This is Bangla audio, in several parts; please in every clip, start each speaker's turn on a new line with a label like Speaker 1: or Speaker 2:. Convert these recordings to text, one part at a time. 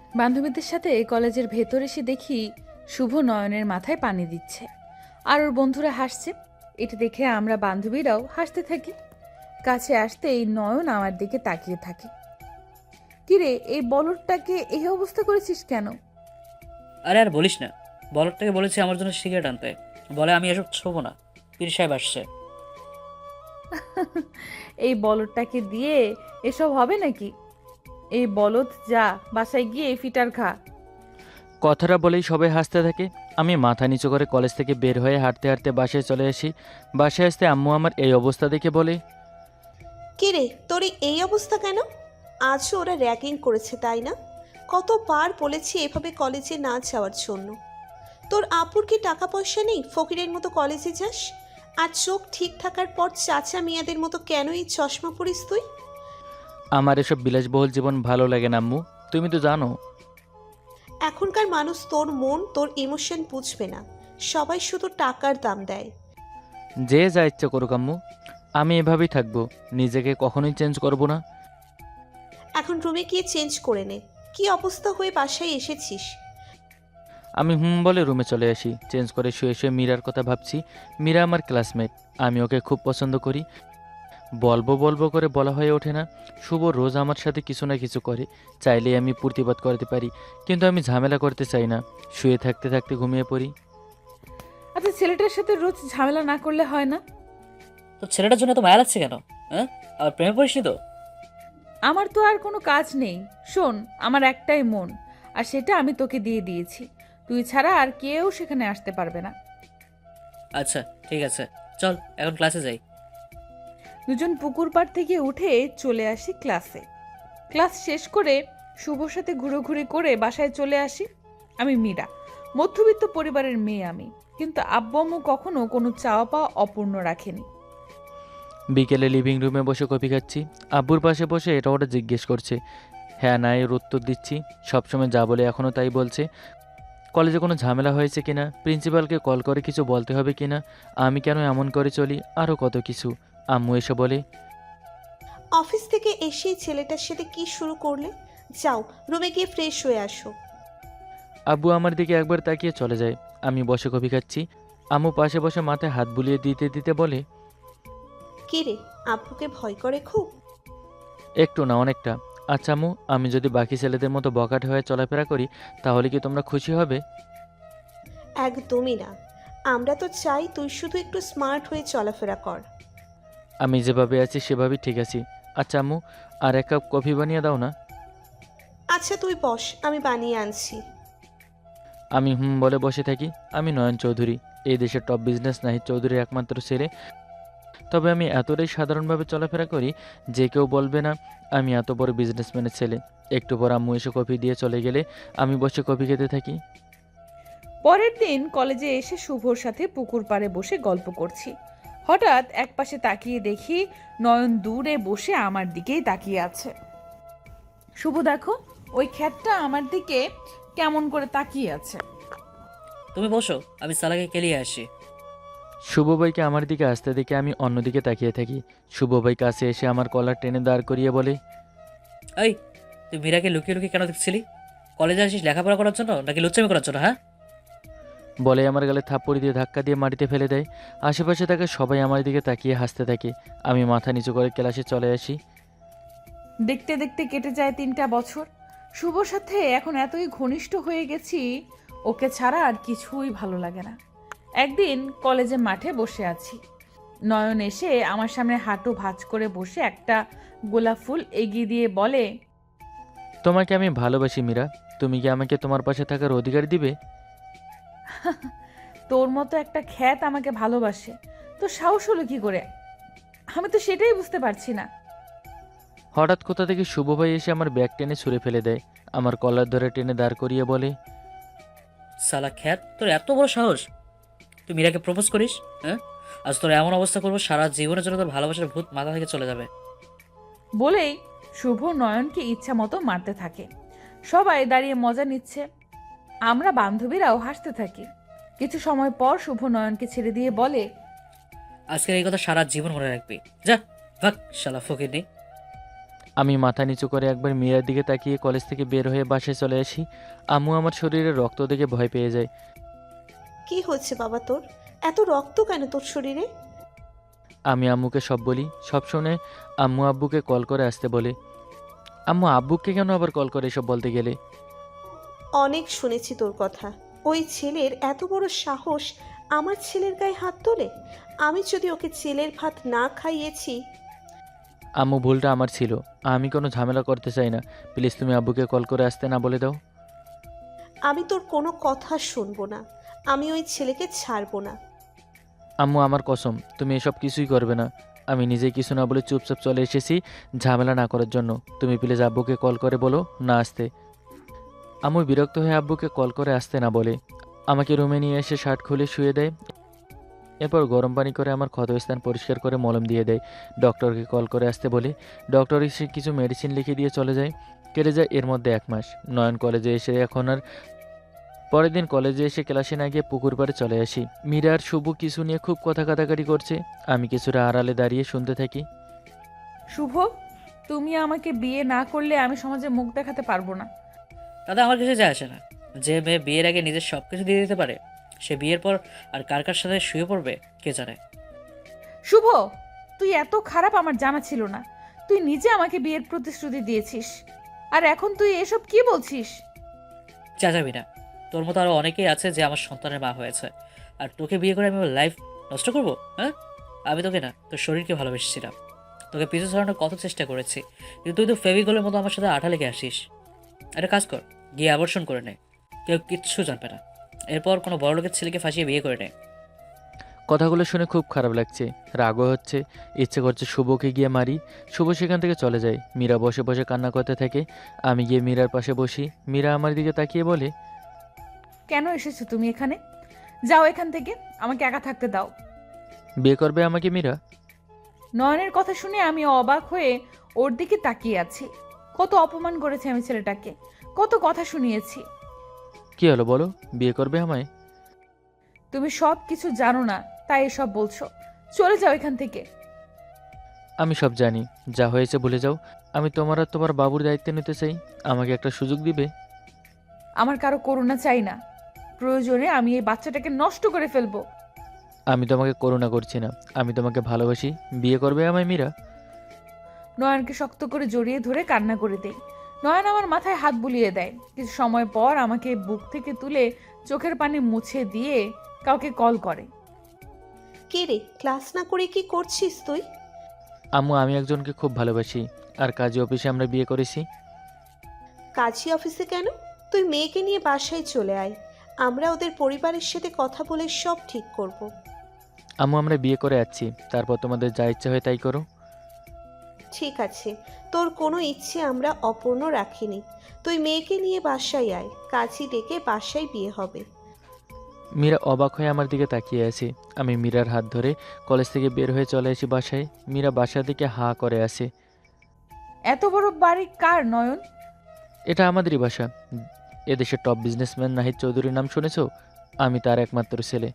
Speaker 1: বান্ধবীদের সাথে কলেজের ভেতর এসে দেখি শুভ নয়নের মাথায় পানি দিচ্ছে আর ওর বন্ধুরা হাসছে। এটা দেখে আমরা বান্ধবীরাও হাসতে থাকি। কাছে আসতেই নয়ন আমার দিকে তাকিয়ে থাকে। কিরে, এই বলদটাকে এই অবস্থা করেছিস কেন?
Speaker 2: আরে আর বলিস না, বলদটাকে বলেছি আমার জন্য সিগারেট আনতে, বলে আমি এসব ছোবো না, পীর সাহেব আসছে।
Speaker 1: এই বলদটাকে দিয়ে এসব হবে নাকি? এই বলদ, যা বাসায় গিয়ে ফিটার খা।
Speaker 3: কথাটা বলেই সবাই হাসতে থাকে। আমি মাথা নিচু করে কলেজ থেকে বের হয়ে হাঁটতে হাঁটতে বাসায় চলে আসি। বাসায় আসতে আম্মু আমার এই অবস্থা দেখে বলে,
Speaker 4: কিরে, তোর এই অবস্থা কেন? আজও ওরা র্যাগিং করেছে তাই না? কতবার বলেছি এভাবে কলেজে না যাওয়ার জন্য। তোর আপুর কি টাকা পয়সা নেই ফকিরের মতো কলেজে যাস? আর চোখ ঠিক থাকার পর চাচা মিয়াদের মতো কেন এই চশমা পরিস তুই?
Speaker 3: আমার এসব বিলাসবহুল জীবন ভালো লাগে না আম্মু, তুমি তো জানো।
Speaker 4: এখনকার মানুষ তোর মন, তোর ইমোশন বুঝবে না। সবাই শুধু টাকার দাম দেয়।
Speaker 3: যে যা ইচ্ছে করুক আম্মু, আমি এভাবেই থাকবো, নিজেকে কখনোই চেঞ্জ করব না।
Speaker 4: এখন রুমে গিয়ে চেঞ্জ করে নে। কি অবস্থা হয়ে বাসায় এসেছিস?
Speaker 3: আমি বলে রুমে চলে আসি। চেঞ্জ করে শুয়ে শুয়ে মীরার কথা ভাবছি। মীরা আমার ক্লাসমেট, আমি ওকে খুব পছন্দ করি। বলবো বলবো করে বলা হয়ে ওঠে না। শুভ রোজ আমার সাথে কিছু না কিছু করে, চাইলেই আমি প্রতিবাদ করতে পারি, কিন্তু আমি ঝামেলা করতে চাই না। শুয়ে থাকতে থাকতে ঘুমিয়ে পড়ি।
Speaker 1: আচ্ছা, ছেলেটার সাথে রোজ ঝামেলা না করলে হয় না?
Speaker 2: তো ছেলেটার জন্য তো মায়া লাগছে কেন? হ্যাঁ, আবার প্রেমে পড়িসনি তো?
Speaker 1: আমার তো আর কোনো কাজ নেই। শোন, আমার একটাই মন, আর সেটা আমি তোকে দিয়ে দিয়েছি। তুই ছাড়া আর কেউ সেখানে আসতে পারবে না।
Speaker 2: আচ্ছা ঠিক আছে, চল এখন ক্লাসে যাই।
Speaker 1: দুজন পুকুর পাড় থেকে উঠে চলে আসি ক্লাসে। ক্লাস শেষ করে শুভর সাথে ঘুরোঘুরি করে বাসায় চলে আসি। আমি মীরা, মধ্যবিত্ত পরিবারের মেয়ে আমি, কিন্তু আব্বু আম্মু কখনো কোনো চাওয়া পাওয়া অপূর্ণ রাখেনি।
Speaker 3: বিকেলে লিভিং রুমে বসে কফি খাচ্ছি। আব্বুর পাশে বসে এটা ওটা জিজ্ঞেস করছে। হ্যাঁ না এর উত্তর দিচ্ছি। সবসময় যা বলে এখনও তাই বলছে। কলেজে কোনো ঝামেলা হয়েছে কিনা, প্রিন্সিপালকে কল করে কিছু বলতে হবে কিনা, আমি কেন এমন করে চলি, আরও কত কিছু। আম্মু এসে বলে,
Speaker 4: অফিস থেকে এসেই ছেলেটার সাথে কি শুরু করলে? যাও রুমে গিয়ে ফ্রেশ হয়ে আসো।
Speaker 3: আব্বু আমার দিকে একবার তাকিয়ে চলে যায়। আমি বসে কফি খাচ্ছি। আম্মু পাশে বসে মাথায় হাত বুলিয়ে দিতে দিতে বলে,
Speaker 4: কি রে, আব্বুকে ভয় করে খুব?
Speaker 3: একটু না অনেকটা। আচ্ছা আম্মু, আমি যদি বাকি ছেলেদের মতো বকাটে হয়ে চলাফেরা করি তাহলে কি তোমরা খুশি হবে?
Speaker 4: একদমই না। আমরা তো চাই তুই শুধু একটু স্মার্ট হয়ে চলাফেরা কর।
Speaker 3: আমি যেভাবে আছি সেভাবেই ঠিক আছি। আচ্ছা আম্মু, আর এক কাপ কফি বানিয়ে দাও না।
Speaker 4: আচ্ছা তুই বস, আমি বানিয়ে আনছি।
Speaker 3: আমি বলে বসে থাকি। আমি নয়ন চৌধুরী, এই দেশের টপ বিজনেস নাহিদ চৌধুরীর একমাত্র ছেলে। তবে আমি এতটাই সাধারণভাবে চলাফেরা করি যে কেউ বলবে না আমি এত বড় বিজনেসম্যানের ছেলে। একটু পর আম্মু এসে কফি দিয়ে চলে গেলে আমি বসে কফি খেতে থাকি।
Speaker 1: পরের দিন কলেজে এসে শুভর সাথে পুকুর পাড়ে বসে গল্প করছি। হঠাৎ একপাশে তাকিয়ে দেখি নয়ন দূরে বসে আমার দিকেই তাকিয়ে আছে। শুভ, দেখো, ওই খ্যাতটা আমার দিকে কেমন করে তাকিয়ে আছে।
Speaker 2: তুমি বসো, আমি সালাকে কেলিয়ে আসি।
Speaker 3: শুভ ভাইকে আমার দিকে আসতে দেখে আমি অন্যদিকে তাকিয়ে থাকি। শুভ ভাই কাছে এসে আমার কলার টেনে দাঁড় করিয়ে বলে,
Speaker 2: এই, তুই মীরাকে লুকিয়ে লুকিয়ে কেন দেখছিলি? কলেজে আসিস লেখাপড়া করার জন্য নাকি লুচ্চামি করার জন্য? হ্যাঁ,
Speaker 3: বলে আমার গালে থাপ্পড় দিয়ে ধাক্কা দিয়ে মাটিতে ফেলে দেয়। আশেপাশে থাকা সবাই আমার দিকে তাকিয়ে হাসতে থাকে। আমি মাথা নিচু করে ক্লাসে চলে আসি।
Speaker 1: দেখতে দেখতে কেটে যায় 3টা বছর। শুভর সাথে এখন এতই ঘনিষ্ঠ হয়ে গেছি, ওকে ছাড়া আর কিছুই ভালো লাগে না। একদিন কলেজে মাঠে বসে আছি, নয়ন এসে আমার সামনে হাঁটু ভাঁজ করে বসে একটা গোলাপ ফুল এগিয়ে দিয়ে বলে,
Speaker 3: তোমাকে আমি ভালোবাসি মীরা, তুমি কি আমাকে তোমার পাশে থাকার অধিকার দিবে?
Speaker 1: তোর মতো একটা খ্যাত আমাকে ভালোবাসে, তো সাহস হলো কি করে? আমি তো সেটাই বুঝতে পারছি না।
Speaker 3: হঠাৎ কোথা থেকে শুভ ভাই এসে আমার ব্যাগ টেনে ছুঁড়ে ফেলে দেয়। আমার কলার ধরে টেনে দাঁড় করিয়ে বলে,
Speaker 2: সালা খ্যাত, তোর এত বড় সাহস! তুই মীরাকে প্রপোজ করিস? হ্যাঁ, আজ তোর এমন অবস্থা করবো সারা জীবনের জন্য তোর ভালোবাসার ভূত মাথা থেকে চলে যাবে।
Speaker 1: বলেই শুভ নয়নকে ইচ্ছা মতো মারতে থাকে। সবাই দাঁড়িয়ে মজা নিচ্ছে, আমরা বান্ধবীরাও হাসতে থাকি। কিছু সময় পর শুভ নয়নকে ছেড়ে দিয়ে বলে,
Speaker 2: আজকের এই কথা সারা জীবন মনে রাখবি। যা, ভাগ শালা ফকির নেই।
Speaker 3: আমি মাথা নিচু করে একবার মীরার দিকে তাকিয়ে কলেজ থেকে বের হয়ে বাসায় চলে আসি। আম্মু আমার শরীরে রক্ত দেখে ভয় পেয়ে যায়।
Speaker 4: কি হচ্ছে বাবা তোর? এত রক্ত কেন তোর শরীরে?
Speaker 3: আমি আম্মুকে সব বলি। সব শুনে আম্মু আব্বুকে কল করে আসতে বলে। আম্মু আব্বুকে কেন আবার কল করে এসব বলতে গেলে?
Speaker 4: অনেক শুনেছি তোর কথা। ওই ছেলের এত বড় সাহস আমার ছেলের গায়ে হাত তোলে। আমি যদি ওকে ছেলের ভাত না খাইয়েছি।
Speaker 3: আম্মু ভুলটা আমার ছিল, আমি কোনো ঝামেলা করতে চাই না। প্লিজ তুমি আব্বুকে কল করে আসতে না বলে দাও।
Speaker 4: আমি তোর কোনো কথা শুনবো না। আমি ওই ছেলেকে ছাড়বো না।
Speaker 3: আম্মু আমার কসম, তুমি এসব কিছুই করবে না। আমি নিজেই কিছু না বলে চুপচাপ চলে এসেছি ঝামেলা না করার জন্য। তুমি প্লিজ আব্বুকে কল করে বলো না আসতে। আম্মু বিরক্ত হয়ে আব্বুকে কল করে আসতে না বলে আমাকে রুমে নিয়ে এসে শার্ট খুলে শুয়ে দেয়। এরপর গরম পানি করে আমার ক্ষতস্থান পরিষ্কার করে মলম দিয়ে দেয়। ডক্টরকে কল করে আসতে বলে ডক্টর এসে কিছু মেডিসিন লিখে দিয়ে চলে যায়। কেটে যায় এর মধ্যে 1 মাস। নয়ন কলেজে এসে এখন আর পরের দিন কলেজে এসে ক্লাসে না গিয়ে পুকুর পাড়ে চলে আসি। মীরা আর শুভ কিছু নিয়ে খুব কথা কাটাকাটি করছে। আমি কিছুটা আড়ালে দাঁড়িয়ে শুনতে থাকি।
Speaker 1: শুভ, তুমি আমাকে বিয়ে না করলে আমি সমাজে মুখ দেখাতে পারবো না।
Speaker 2: তাতে আমার কিছু যায় আসে না। যে মেয়ে বিয়ের আগে নিজের সব কিছু দিয়ে দিতে পারে, সে বিয়ের পর আর কার কার সাথে শুয়ে পড়বে কে জানে।
Speaker 1: শুভ, তুই এত খারাপ আমার জানা ছিল না। তুই নিজে আমাকে বিয়ের প্রতিশ্রুতি দিয়েছিস, আর এখন তুই এসব কি বলছিস?
Speaker 2: যাবি না। তোর মতো আরো অনেকেই আছে যে আমার সন্তানের মা হয়েছে, আর তোকে বিয়ে করে আমি আমার লাইফ নষ্ট করবো? হ্যাঁ, আমি তোকে না, তোর শরীরকে ভালোবেসেছিলাম। তোকে পিছু ছাড়ানোর কত চেষ্টা করেছি, কিন্তু তুই তো ফেভিকলের মতো আমার সাথে আঠা লেগে আসিস। একটা কাজ কর, গিয়ে আবর্ষণ করে নে, কেউ কিচ্ছু জানবে না। এরপর কোনো বড় লোকের ছেলেকে ফাঁসিয়ে বিয়ে করে নে।
Speaker 3: কথাগুলো শুনে খুব খারাপ লাগছে, রাগও হচ্ছে। ইচ্ছে করছে শুভকে গিয়ে মারি। শুভ সেখান থেকে চলে যায়। মীরা বসে বসে কান্না করতে থাকে। আমি গিয়ে মীরার পাশে বসি। মীরা আমার দিকে তাকিয়ে বলে,
Speaker 1: কেন এসেছো তুমি এখানে? যাও এখান থেকে, আমাকে একা থাকতে দাও।
Speaker 3: বিয়ে করবে আমাকে মীরা?
Speaker 1: নয়নের কথা শুনে আমি অবাক হয়ে ওর দিকে তাকিয়ে আছি। কত অপমান করেছি আমি ছেলেটাকে, কত কথা শুনিয়েছি।
Speaker 3: কি হলো বলো, বিয়ে করবে আমায়?
Speaker 1: তুমি সব কিছু জানো না, তাই এসব বলছো। চলে যাও এখান থেকে।
Speaker 3: আমি সব জানি, যা হয়েছে ভুলে যাও। আমি তোমার আর তোমার বাবুর দায়িত্ব নিতে চাই। আমাকে একটা সুযোগ দিবে?
Speaker 1: আমার কারো করুণা চাই না। প্রয়োজনে আমি এই বাচ্চাটাকে নষ্ট করে ফেলবো।
Speaker 3: আমি তোমাকে করুণা করছি না, আমি তোমাকে ভালোবাসি। বিয়ে করবে আমায় মীরা?
Speaker 1: নয়নকে শক্ত করে জড়িয়ে ধরে কান্না করে দেই। নয়ন আমার মাথায় হাত বুলিয়ে দেয়। কিছু সময় পর আমাকে বুক থেকে তুলে চোখের পানি মুছে দিয়ে কাউকে কল করে।
Speaker 4: কে রে, ক্লাস না করে কি করছিস তুই?
Speaker 3: আম্মু, আমি একজনকে খুব ভালোবাসি, আর কাজী অফিসে আমরা বিয়ে করেছি।
Speaker 4: কাজী অফিসে কেন? তুই মেয়েকে নিয়ে বাসায় চলে আয়। আমরা ওদের পরিবারের সাথে কথা বলে সব ঠিক করব।
Speaker 3: আম্মু, আমরা বিয়ে করে যাচ্ছি, তারপর তোমাদের যা ইচ্ছা হয় তাই করো।
Speaker 4: ঠিক আছে, তোর কোনো ইচ্ছে আমরা অপূর্ণ রাখিনি। তুই মেয়েকে নিয়ে বাসায় আয়, কাজী ডেকে বাসায় বিয়ে হবে।
Speaker 3: মীরা অবাক হয়ে আমার দিকে তাকিয়ে আছে। আমি মীরার হাত ধরে কলেজ থেকে বের হয়ে চলে আসি বাসায়। মীরা বাসা দিকে হাঁ করে আসে।
Speaker 1: এত বড় বাড়ি কার নয়ন?
Speaker 3: এটা আমাদেরই বাসা। এদেশের টপ বিজনেসম্যান নাহিদ চৌধুরীর নাম শুনেছো? আমি তার একমাত্র ছেলে।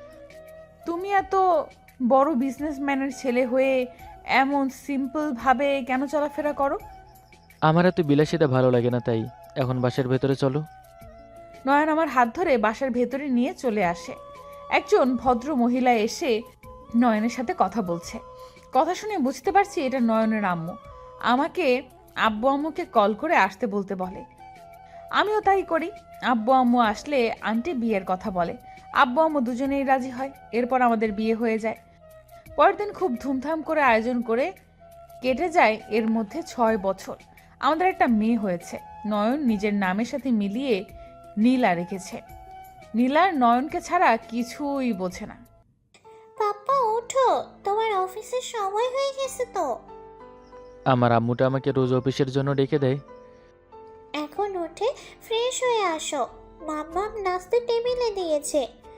Speaker 1: তুমি এত বড় বিজনেসম্যানের ছেলে হয়ে এমন সিম্পল ভাবে কেন চলাফেরা করো?
Speaker 3: আমার এত বিলাসিতা ভালো লাগে না, তাই। এখন বাসার ভেতরে চলো।
Speaker 1: নয়ন আমার হাত ধরে বাসার ভেতরে নিয়ে চলে আসে। একজন ভদ্র মহিলা এসে নয়নের সাথে কথা বলছে। কথা শুনে বুঝতে পারছি এটা নয়নের আম্মু। আমাকে আব্বু আম্মুকে কল করে আসতে বলতে বলে। আমিও তাই করি। আব্বু আম্মু আসলে আন্টি বিয়ের কথা বলে। আব্বু আম্মু দুজনেই রাজি হয়। এরপর আমাদের বিয়ে হয়ে যায়। পরের দিন খুব ধুমধাম করে আয়োজন করে কেটে যায় এর মধ্যে 6 বছর। আমাদের একটা মেয়ে হয়েছে। নয়ন নিজের নামের সাথে মিলিয়ে নীলা রেখেছে। নীলার নয়নকে ছাড়া কিছুই বোঝে না।
Speaker 5: পাপা ওঠো, তোমার অফিসের সময় হয়ে গেছে তো।
Speaker 3: আমার আম্মুটা আমাকে রোজ অফিসের জন্য ডেকে দেয়।
Speaker 5: এখন উঠে ফ্রেশ হয়ে আসো, মাম্মাম নাস্তা টেবিলে দিয়েছে।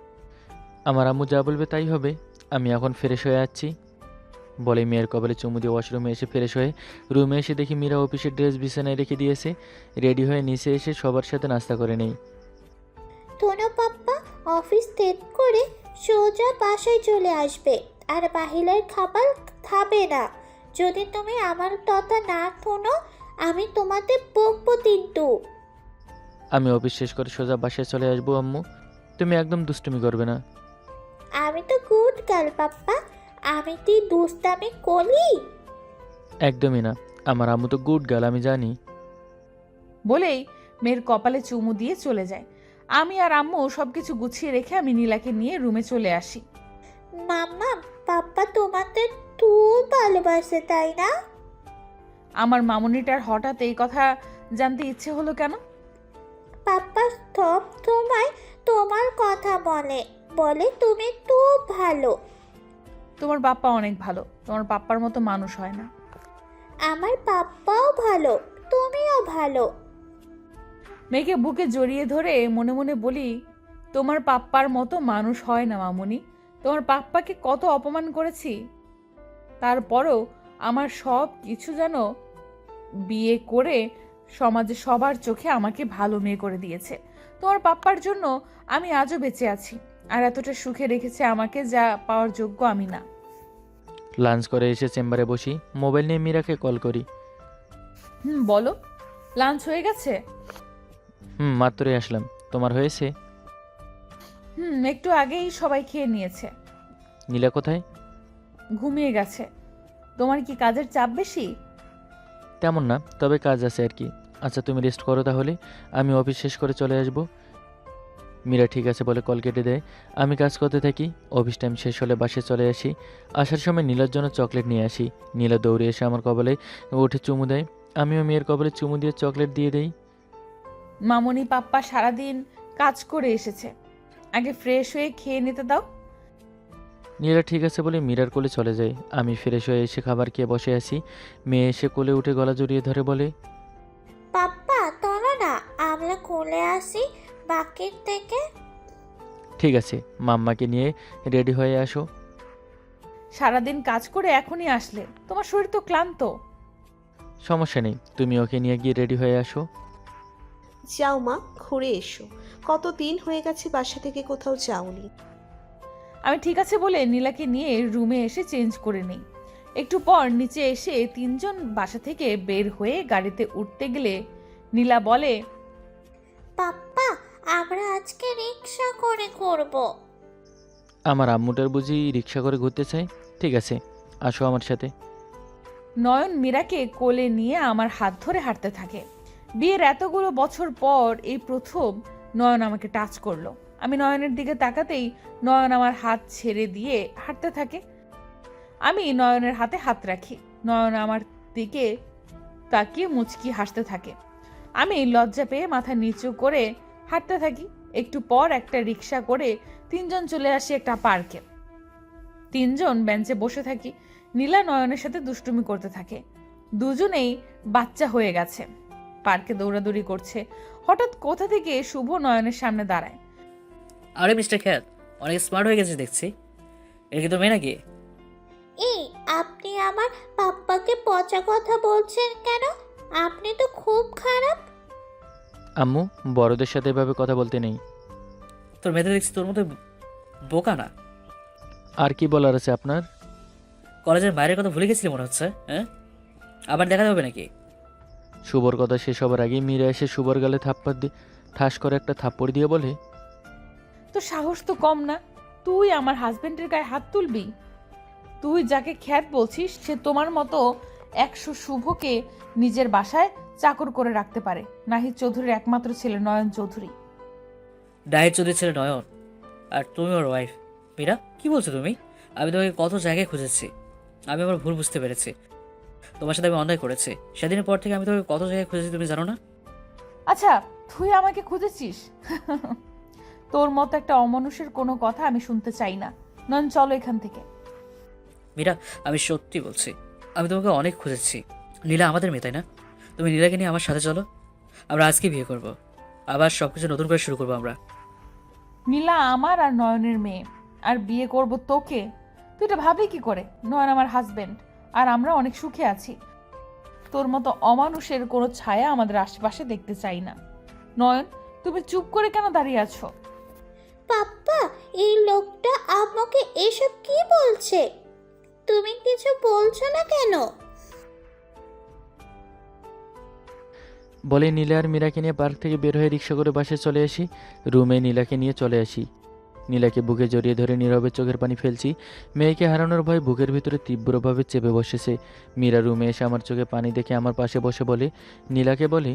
Speaker 3: আমার আম্মু যা বলবে তাই হবে। আমি এখন ফ্রেশ হয়ে যাচ্ছি বলে মেয়ের কপালে চুমু দিয়ে ওয়াশরুমে এসে ফ্রেশ হয়ে রুমে এসে দেখি মীরা অফিসের ড্রেস বিছানায় রেখে দিয়েছে। রেডি হয়ে নিচে এসে সবার সাথে নাস্তা করে নেই।
Speaker 5: তোনো পাপ্পা অফিস ত্যাগ করে সোজা বাসায় চলে আসবে, আর বাহিরের খাবার খাবে না। যদি তুমি আমার কথা না শোনো আমি তোমাদের বকবো কিন্তু।
Speaker 3: আমি অফিস শেষ করে সোজা বাসায় চলে আসবো আম্মু। তুমি একদম দুষ্টুমি করবে না।
Speaker 5: আমি তো গুড গার্ল পাপ্পা, আমি তুই দুষ্টামি করি?
Speaker 3: একদমই না, আমার আম্মু তো গুড গার্ল, আমি জানি।
Speaker 1: বলেই মেয়ের কপালে চুমু দিয়ে চলে যায়। আমি আর আম্মু সবকিছু গুছিয়ে রেখে আমি নীলাকে নিয়ে রুমে চলে আসি।
Speaker 5: মাম্মা, পাপ্পা তোমাদের খুব ভালোবাসে তাই না?
Speaker 1: আমার মামুনিটার হঠাৎ এই কথা জানতে ইচ্ছে হলো কেন?
Speaker 5: পাপ্পা সব সময় তোমার কথা বলে, বলে তুমি খুব ভালো।
Speaker 1: তোমার পাপ্পা অনেক ভালো, তোমার পাপ্পার মতো মানুষ হয় না।
Speaker 5: আমার পাপ্পাও ভালো, তুমিও ভালো।
Speaker 1: মেয়েকে বুকে জড়িয়ে ধরে মনে মনে বলি, তোমার পাপ্পার মতো মানুষ হয় না মামুনি। তোমার পাপ্পাকে কত অপমান করেছি, তারপরও আমার সব কিছু যেন বিয়ে করে সমাজে সবার চোখে আমাকে ভালো মেয়ে করে দিয়েছে। তোমার পাপ্পার জন্য আমি আজও বেঁচে আছি, আর এতটা সুখে রেখেছে আমাকে, যা পাওয়ার যোগ্য আমি না।
Speaker 3: লাঞ্চ করে এসে চেম্বারে বসি, মোবাইল নিয়ে মীরাকে কল করি।
Speaker 1: বলো, লাঞ্চ হয়ে গেছে?
Speaker 3: মাত্রই আসলাম। তোমার হয়েছে?
Speaker 1: একটু আগেই সবাই খেয়ে নিয়েছে।
Speaker 3: নীলা কোথায়?
Speaker 1: ঘুমিয়ে গেছে। তোমার কি কাজের চাপ বেশি?
Speaker 3: তেমন না, তবে কাজ আছে আর কি। আচ্ছা তুমি রেস্ট করো তাহলে, আমি অফিস শেষ করে চলে আসবো। মীরা ঠিক আছে বলে কল কেটে দেয়। আমি কাজ করতে থাকি। অফিস টাইম শেষ হলে বাসায় চলে আসি। আসার সময় নীলার জন্য চকলেট নিয়ে আসি। নীলা দৌড়ে এসে আমার কপালে উঠে চুমু দেয়। আমিও মেয়ের কপালে চুমু দিয়ে চকলেট দিয়ে দেই।
Speaker 1: মামনি পাপ্পা সারাদিন কাজ করে এসেছে, আগে ফ্রেশ হয়ে খেয়ে নিতে দাও।
Speaker 3: নীলা ঠিক আছে বলে মীরার কোলে চলে যায়। আমি ফ্রেশ হয়ে এসে খাবার খেয়ে বসে আছি। মেয়ে এসে কোলে উঠে গলা জড়িয়ে ধরে বলে,
Speaker 5: পাপ্পা চলো না আমরা কোলে আসি বাকির থেকে।
Speaker 3: ঠিক আছে, মাম্মাকে নিয়ে রেডি হয়ে আসো।
Speaker 1: সারাদিন কাজ করে এখনই আসলে, তোমার শরীর তো ক্লান্ত।
Speaker 3: সমস্যা নেই, তুমি ওকে নিয়ে গিয়ে রেডি হয়ে আসো।
Speaker 4: যাও মা, ঘুরে এসো। কতদিন হয়ে গেছে বাসা থেকে কোথাও যাওনি।
Speaker 1: আমি ঠিক আছে বলে নীলাকে নিয়ে রুমে এসে চেঞ্জ করে নেই। একটু পর নিচে এসে তিনজন বাসা থেকে বের হয়ে গাড়িতে উঠতে গেলে নীলা বলে,
Speaker 5: পাপ্পা আমরা আজকে রিক্সা করে করব।
Speaker 3: আমার আম্মুটার বুঝি রিক্সা করে ঘুরতে চাই। ঠিক আছে, আসো আমার সাথে।
Speaker 1: নয়ন মীরাকে কোলে নিয়ে আমার হাত ধরে হাঁটতে থাকে। বিয়ের এতগুলো বছর পর এই প্রথম নয়ন আমাকে টাচ করলো। আমি নয়নের দিকে তাকাতেই নয়ন আমার হাত ছেড়ে দিয়ে হাঁটতে থাকে। আমি নয়নের হাতে হাত রাখি। নয়ন আমার দিকে তাকিয়ে মুচকি হাসতে থাকে। আমি লজ্জা পেয়ে মাথা নিচু করে হাঁটতে থাকি। একটু পর একটা রিক্সা করে তিনজন চলে আসি একটা পার্কে। তিনজন বেঞ্চে বসে থাকি। নীলা নয়নের সাথে দুষ্টুমি করতে থাকে। দুজনেই বাচ্চা হয়ে গেছে, পার্কে দৌড়াদৌড়ি করছে। হঠাৎ কোথা থেকে শুভ নয়নের সামনে দাঁড়ায়।
Speaker 2: আরে মিস্টার খ্যাত, অনেক স্মার্ট হয়ে গেছে দেখছি। এর কি তো মেয়ে নাকি?
Speaker 5: এই আপনি আমার পাপ্পাকে পচা কথা বলছেন কেন? আপনি তো খুব খারাপ।
Speaker 3: আম্মু, বড়দের সাথে এভাবে কথা বলতে নেই।
Speaker 2: তোর মেয়েদের দেখছি তোর মতো বোকা না।
Speaker 3: আর কি বলার আছে আপনার?
Speaker 2: কলেজের বাইরের কথা ভুলে গেছিলি মনে হচ্ছে। হ্যাঁ, আবার দেখা যাবে নাকি?
Speaker 3: শুভর কথা শেষ হবার আগেই মীরা এসে শুভর গালে থাপ্পড় দিয়ে ঠাস করে একটা থাপ্পড় দিয়ে বলে,
Speaker 1: তো সাহস তো কম না, তুই আমার হাজবেন্ডের গায়ে হাত তুলবি? তুই যাকে খ্যাত বলছিস সে তোমার মতো 100 শুভকে নিজের বাসায় চাকর করে রাখতে পারে। নাহিদ চৌধুরীর একমাত্র ছেলে নয়ন চৌধুরী।
Speaker 2: ডায়ের চৌধুরীর ছেলে নয়ন, আর তুমি ওর ওয়াইফ। মীরা, কি বলছো তুমি? আমি তোমাকে কত জায়গায় খুঁজেছি। আমি আমার ভুল বুঝতে পেরেছি। তোমার সাথে আমি অন্যায় করেছি। সেদিনের পর থেকে আমি তোমাকে কত জায়গায় খুঁজেছি তুমি জানো না?
Speaker 1: আচ্ছা, তুই আমাকে খুঁজেছিস? তোর মতো একটা অমানুষের কোনো কথা আমি শুনতে চাই না। নয়ন, চলো এখান থেকে।
Speaker 2: মীরা, আমি সত্যি বলছি, আমি তোমাকে অনেক খুঁজেছি। নীলা আমাদের মেয়ে, তাই না? তুমি নীলাকে নিয়ে আমার সাথে চলো। আমরা আজকে বিয়ে করব, আবার সব কিছু নতুন করে শুরু করবো আমরা।
Speaker 1: নীলা আমার আর নয়নের মেয়ে, আর বিয়ে করব তোকে? তুই এটা ভাবলি কি করে? নয়ন আমার হাজবেন্ড, আর আমরা অনেক সুখে আছি। তোর মতো অমানুষের কোনো ছায়া আমাদের আশেপাশে দেখতে চাই না। নয়ন, তুমি চুপ করে কেন দাঁড়িয়ে আছো?
Speaker 5: পাপ্পা, এই লোকটা আমাকে এসব কি বলছে? তুমি কিছু বলছো না কেন?
Speaker 3: বলে নীলা আর মীরাকে নিয়ে পার্ক থেকে বের হয়ে রিক্সা করে বাসে চলে আসি। রুমে নীলাকে নিয়ে চলে আসি। নীলাকে বুকে জড়িয়ে ধরে নীরবে চোখের পানি ফেলছি। মেয়েকে হারানোর ভয় বুকের ভিতরে তীব্রভাবে চেপে বসেছে। মীরা রুমে এসে আমার চোখে পানি দেখে আমার পাশে বসে বলে, নীলাকে বলে,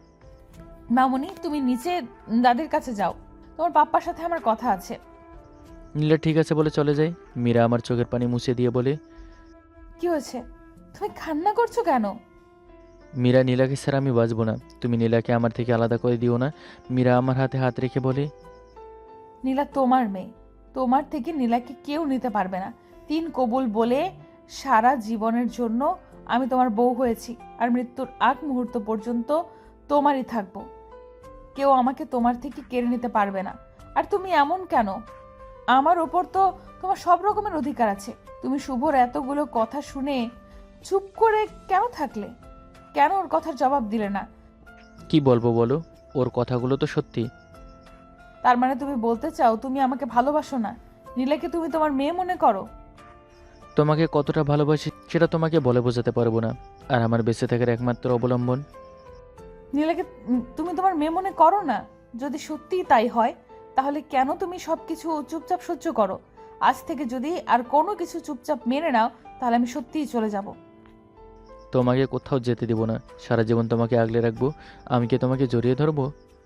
Speaker 1: মামুনি তুমি নিচে দাদির কাছে যাও, তোমার পাপ্পার সাথে আমার কথা আছে।
Speaker 3: নীলা ঠিক আছে বলে চলে যায়। মীরা আমার চোখের পানি মুছে দিয়ে বলে,
Speaker 1: কি হয়েছে, তুমি কান্না করছো কেন?
Speaker 3: মীরা, নীলাকে স্যার আমি বাঁচবো না, তুমি নীলাকে আমার থেকে আলাদা করে দিও না। মীরা আমার হাতে হাত রেখে বলে,
Speaker 1: নীলা তোমার মেয়ে, তোমার থেকে নীলাকে কেউ নিতে পারবে না। 3 কবুল বলে সারা জীবনের জন্য আমি তোমার বউ হয়েছি, আর মৃত্যুর আগ মুহূর্ত পর্যন্ত তোমারই থাকবো। কেউ আমাকে তোমার থেকে কেড়ে নিতে পারবে না। আর তুমি এমন কেন? আমার ওপর তো তোমার সব রকমের অধিকার আছে। তুমি শুভর এতগুলো কথা শুনে চুপ করে কেন থাকলে? কেন ওর কথার জবাব দিলে না?
Speaker 3: কি বলবো বলো, ওর কথাগুলো তো সত্যি।
Speaker 1: তার মানে তুমি বলতে চাও তুমি আমাকে ভালোবাসো না, নীলাকে তুমি তোমার মেয়ে মনে করো?
Speaker 3: তোমাকে কতটা ভালোবাসি সেটা তোমাকে বলে বোঝাতে পারবো না। আর আমার বেঁচে থাকার একমাত্র অবলম্বন।
Speaker 1: নীলাকে তুমি তোমার মেয়ে মনে করো না? যদি সত্যিই তাই হয়, তাহলে কেন তুমি সবকিছু চুপচাপ সহ্য করো? আজ থেকে যদি আর কোনো কিছু চুপচাপ মেনে নাও, তাহলে আমি সত্যিই চলে যাব।
Speaker 3: তোমাকে কোথাও যেতে দিব না, সারা জীবন তোমাকে আগলে রাখবো। আমি কি তোমাকে জড়িয়ে ধরবো?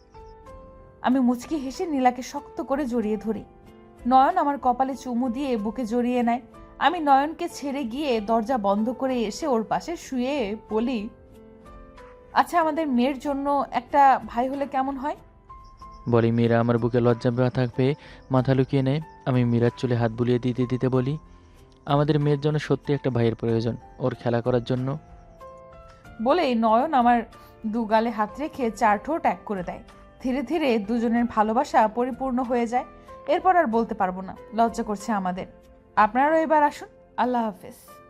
Speaker 1: আমি মুচকি হেসে নীলাকে শক্ত করে জড়িয়ে ধরি। নয়ন আমার কপালে চুমু দিয়ে বুকে জড়িয়ে নেয়। আমি নয়নকে ছেড়ে গিয়ে দরজা বন্ধ করে এসে ওর পাশে শুয়ে বলি, আচ্ছা আমাদের মেয়ের জন্য একটা ভাই হলে কেমন হয়?
Speaker 3: বলি। মীরা আমার বুকে লজ্জা ব্যথা পেয়ে মাথা লুকিয়ে নেয়। আমি মীরার চুলে হাত বুলিয়ে দিতে দিতে বলি, আমাদের মেয়ের জন্য সত্যি একটা ভাইয়ের প্রয়োজন, ওর খেলা করার জন্য।
Speaker 1: বলেই নয়ন আমার দুগালে হাত রেখে 4 ঠোঁট এক করে দেয়। ধীরে ধীরে দুজনের ভালোবাসা পরিপূর্ণ হয়ে যায়। এরপর আর বলতে পারবো না, লজ্জা করছে আমাদের। আপনারাও এবার আসুন। আল্লাহ হাফেজ।